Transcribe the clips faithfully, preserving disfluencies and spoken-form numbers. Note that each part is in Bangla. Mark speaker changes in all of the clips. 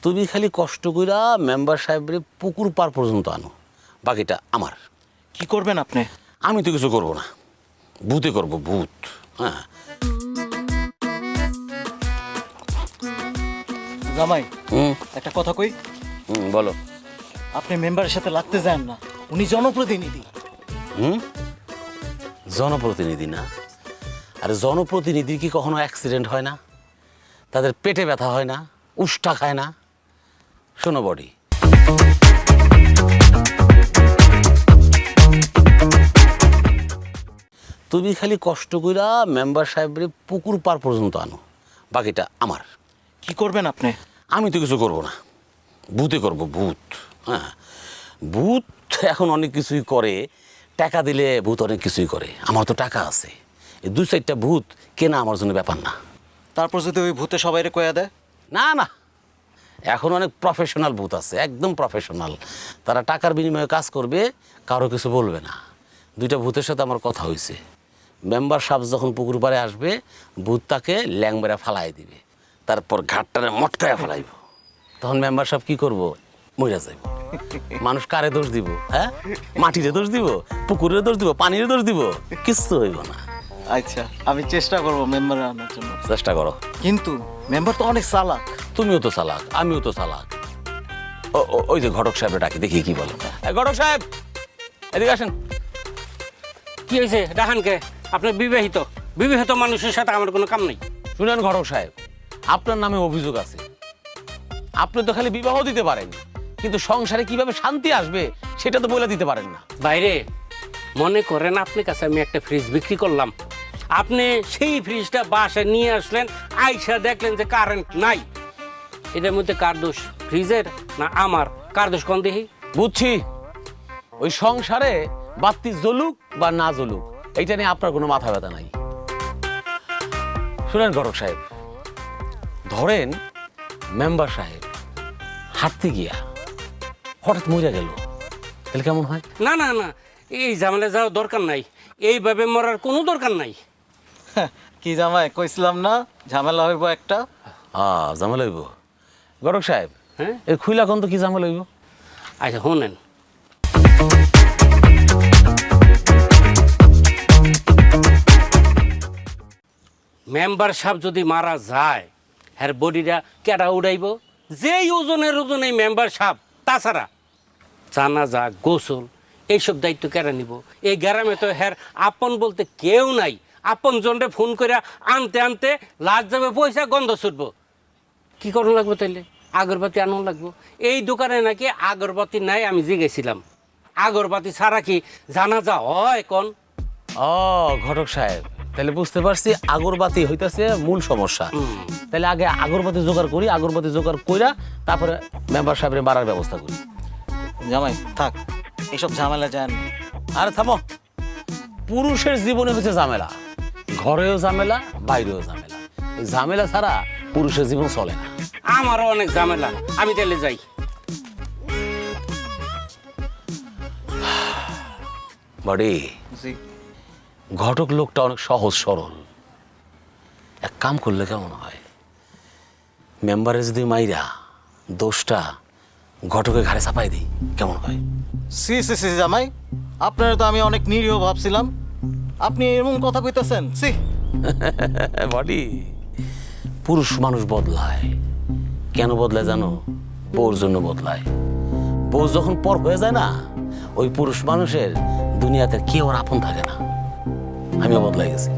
Speaker 1: তুমি খালি কষ্ট কইরা মেম্বার সাহেবরে পুকুর পার পর্যন্ত আনো, বাকিটা আমার।
Speaker 2: কি করবেন আপনি?
Speaker 1: আমি তো কিছু করবো না, ভূতে করবো, ভূত। হ্যাঁ
Speaker 2: জামাই
Speaker 1: হুম
Speaker 2: একটা কথা কই,
Speaker 1: হুম বলো।
Speaker 2: আপনি মেম্বারের সাথে লাগতে যান না, উনি জনপ্রতিনিধি।
Speaker 1: হুম জনপ্রতিনিধি না? আরে জনপ্রতিনিধির কি কখনো অ্যাক্সিডেন্ট হয় না? তাদের পেটে ব্যথা হয় না? উষ্টা খায় না? শোনো বডি, তুমি খালি কষ্ট কইরা মেম্বার সাহেবরে পুকুর পার পর্যন্ত আনো, বাকিটা আমার।
Speaker 2: কি করবেন আপনি?
Speaker 1: আমি তো কিছু করবো না, ভূতে করবো, ভূত। হ্যাঁ ভূত এখন অনেক কিছুই করে, টাকা দিলে ভূত অনেক কিছুই করে। আমার তো টাকা আছে, এই দুই চারটা ভূত কেনা আমার জন্য ব্যাপার না।
Speaker 2: তারপর যদি ওই ভূতে সবাইরে কয়া দেয়?
Speaker 1: না না, এখন অনেক প্রফেশনাল ভূত আছে, একদম প্রফেশনাল। তারা টাকার বিনিময়ে কাজ করবে, কারো কিছু বলবে না। দুইটা ভূতের সাথে আমার কথা হয়েছে, মেম্বার সাহেব যখন পুকুর পাড়ে আসবে, ভূত তাকে ল্যাংবেরা ফালাই দিবে, তারপর ঘাটটারে মটকায় ফেলাইব। তখন মেম্বার সাহেব কি করবো? মইরা যাইব। মানুষ কারে দোষ দিব? হ্যাঁ, মাটিরে দোষ দিব, পুকুরের দোষ দিব, পানির দোষ দিব? কিচ্ছু হইব না।
Speaker 2: আচ্ছা, আমি চেষ্টা করবো মেম্বারে আনার জন্য।
Speaker 1: চেষ্টা করো।
Speaker 2: কিন্তু মেম্বার তো অনেক চালাক।
Speaker 1: তুমিও তো চালাক, আমিও তো চালাক। ও ও- ওই যে ঘটক সাহেব ডাকি, দেখি কি বলে। এই ঘটক সাহেব, এদিকে আসেন।
Speaker 3: কি হয়েছে ডাহানকে? আপনি বিবাহিত, বিবাহিত মানুষের সাথে আমার কোনো কাম নেই।
Speaker 1: শুনেন ঘটক সাহেব, আপনার নামে অভিযোগ আছে। আপনি তো খালি বিবাহ দিতে পারেন, কিন্তু সংসারে কিভাবে শান্তি আসবে সেটা তো বলে দিতে পারেন না।
Speaker 3: বাইরে মনে করেন আপনার কাছে আমি একটা ফ্রিজ বিক্রি করলাম, আপনি সেই ফ্রিজটা বাসায় নিয়ে আসলেন, আইসা দেখলেন যে কারেন্ট নাই। এটার মধ্যে কার দোষ, ফ্রিজের না আমার? কার দোষ কোন দেখি?
Speaker 1: বুঝছি, ওই সংসারে বাতি জ্বলুক বা না জ্বলুক, এইটা নিয়ে আপনার কোনো মাথা ব্যথা নাই। শুনেন ঘটক সাহেব, ধরেন মেম্বার সাহেব হাঁটতে গিয়া হঠাৎ মরে গেল, তাহলে কেমন হয়?
Speaker 3: না না না, এই ঝামেলা যাওয়ার দরকার নাই, এইভাবে মরার কোনো দরকার নাই।
Speaker 2: কি জামাই, কইছিলাম না ঝামেলা হইব একটা?
Speaker 1: আ ঝামেলা হইব? ঘটক সাহেব,
Speaker 3: হ্যাঁ
Speaker 1: এর খুইলা কোন তো কি ঝামেলা হইব?
Speaker 3: আচ্ছা শোনেন, মেম্বার সাহেব যদি মারা যায়, হ্যার বডিটা কেডা উড়াইব? যেই ওজনের ওজন এই মেম্বার সাহেব। তাছাড়া জানাজা, গোসল এইসব দায়িত্ব কেডা নিব? এই গ্রামে তো হ্যার আপন বলতে কেউ নাই। আপন জনরে ফোন করে আনতে আনতে লাশ যাবে, পয়সা গন্ধ ছুটবো। কি করুন লাগবো তাইলে? আগরবাতি আনুন লাগবো। এই দোকানে নাকি আগরবাতি নাই, আমি জিগেছিলাম। আগরবাতি ছাড়া কি জানাজা হয় কোন?
Speaker 1: ও ঘটক সাহেব, তাহলে বুঝতে পারছি আগরবাতি হইতাছে মূল সমস্যা। তাহলে আগে আগরবাতি জোগাড় করি, আগরবাতি জোগাড় কইরা তারপরে মেম্বার সাহেবের মারার ব্যবস্থা করি।
Speaker 2: জামাই থাক, এসব ঝামেলা যায় না।
Speaker 1: আরে থামো, পুরুষের জীবনে হচ্ছে ঝামেলা, ঘরেও ঝামেলা, বাইরেও ঝামেলা। এই ঝামেলা ছাড়া পুরুষের জীবন চলে না।
Speaker 3: আমারও অনেক ঝামেলা, আমি তাহলে যাই।
Speaker 1: বাড়ি
Speaker 2: জি।
Speaker 1: ঘটক লোকটা অনেক সহজ সরল, এক কাম করলে কেমন হয়? মেম্বারে যদি মাইরা দোষটা ঘটকের ঘাড়ে চাপাই দিই, কেমন হয়?
Speaker 2: সি সি সি জামাই, আপনারা তো আমি অনেক নিরীহ ভাবছিলাম, আপনি এমন কথা কইতেছেন? সি।
Speaker 1: বডি, পুরুষ মানুষ বদলায়। কেন বদলায় জানো? বউর জন্য বদলায়। বউ যখন পর হয়ে যায় না, ওই পুরুষ মানুষের দুনিয়াতে কেউ আর আপন থাকে না। আমিও বদলাই গেছি।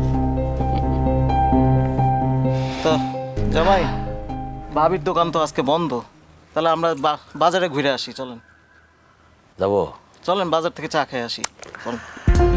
Speaker 2: তো জামাই, ভাবির দোকান তো আজকে বন্ধ, তাহলে আমরা বা- বাজারে ঘুরে আসি। চলেন
Speaker 1: যাবো?
Speaker 2: চলেন, বাজার থেকে চা খেয়ে আসি। চলেন।